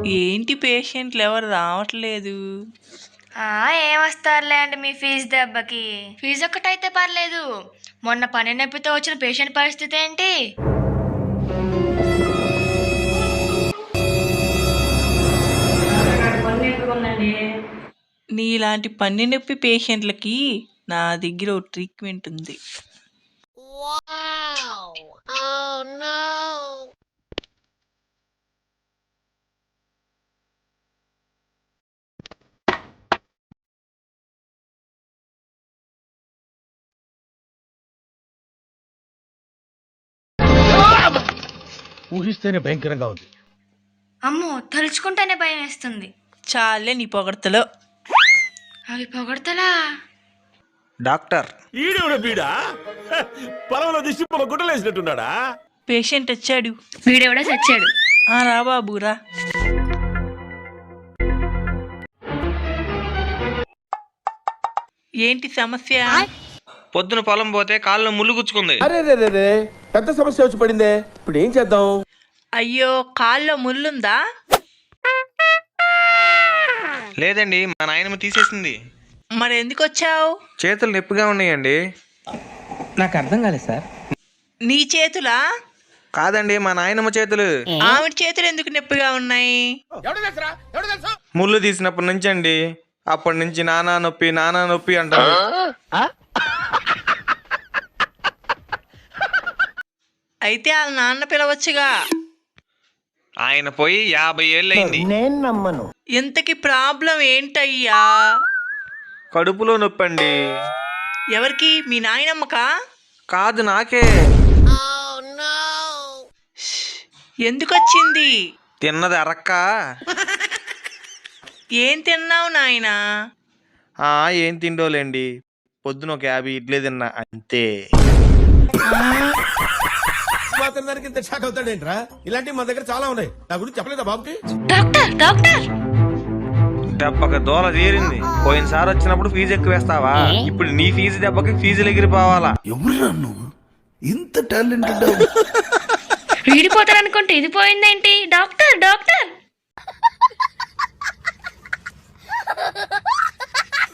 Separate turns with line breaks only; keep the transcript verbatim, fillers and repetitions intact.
ఏంటి పేషెంట్లు ఎవరు రావట్లేదు?
ఏమొస్తారులే అండి మీ ఫీజు దెబ్బకి. ఫీజు ఒక్కటైతే పర్లేదు, మొన్న పని నొప్పితో వచ్చిన పేషెంట్ పరిస్థితి ఏంటి?
నీలాంటి పన్ను నొప్పి పేషెంట్లకి నా దగ్గర ఒక ట్రీట్మెంట్ ఉంది.
ఊహిస్తేనే భయంకరంగా ఉంది.
అమ్మో, తలుచుకుంటేనే భయం వేస్తుంది.
చాలే నీ పొగడతలో.
అవి పొగడతలా?
డాక్టర్
ఈడెవడ బీడా పొలంలో దిష్టి పొల గుడ్డలేసినట్టున్నాడా?
పేషెంట్ వచ్చాడు.
వీడెవడో చచ్చాడు.
ఆ రా బాబు రా. ఏంటి సమస్య?
పొద్దున పొలం పోతే కాళ్ళు ముళ్ళు గుచ్చుకుంది.
అరే రే రే రే పెద్ద సమస్య వచ్చి పడిందే, ఇప్పుడు ఏం చేద్దాం?
అయ్యో, కాల్లో ముళ్ళుందా?
లేదండి, మా నాయనమ్మ తీసేసింది.
మరి ఎందుకు వచ్చావు?
చేతులు నొప్పిగా ఉన్నాయండి.
నాకు అర్థం కాలేదు సార్.
నీ చేతులా?
కాదండి, మా నాయనమ్మ చేతులు.
ఆవిడ చేతులు ఎందుకు నొప్పిగా ఉన్నాయి?
ముళ్ళు తీసినప్పటి నుంచి అండి. అప్పటి నుంచి నానా నొప్పి నానా నొప్పి అంటారు.
అయితే వాళ్ళ నాన్న పిలవచ్చుగా.
ఆయన పోయి యాభై ఏళ్ళు అయింది.
నేను నమ్మను.
ఇంతకి ప్రాబ్లం ఏంటయ్యా?
కడుపులో నొప్పి అండి.
ఎవరికి? మీ నాయనమ్మకా?
కాదు, నాకే.
ఎందుకు వచ్చింది?
తిన్నది అరక్క.
ఏం తిన్నావు నాయనా?
ఆ ఏం తిండోలేండి, పొద్దున ఒక యాభై ఇడ్లీ తిన్నా అంతే.
మాత్రం దానికి ఇంత షాక్ అవుతాడేంట్రా? ఇలాంటివి మన దగ్గర చాలా ఉన్నాయి. నా గురించి చెప్పలేదా బాబుకి?
డాక్టర్ డాక్టర్
దెబ్బకి దోల తీరింది. పోయినసారి వచ్చినప్పుడు ఫీజు ఎక్కువ వేస్తావా? ఇప్పుడు నీ ఫీజు దెబ్బకి ఫీజులు ఎగిరిపోవాలా?
ఎవరురా నువ్వు ఇంత టాలెంటెడ్?
వీడిపోతారనుకుంటే ఇది పోయిందేంటి? Doctor doctor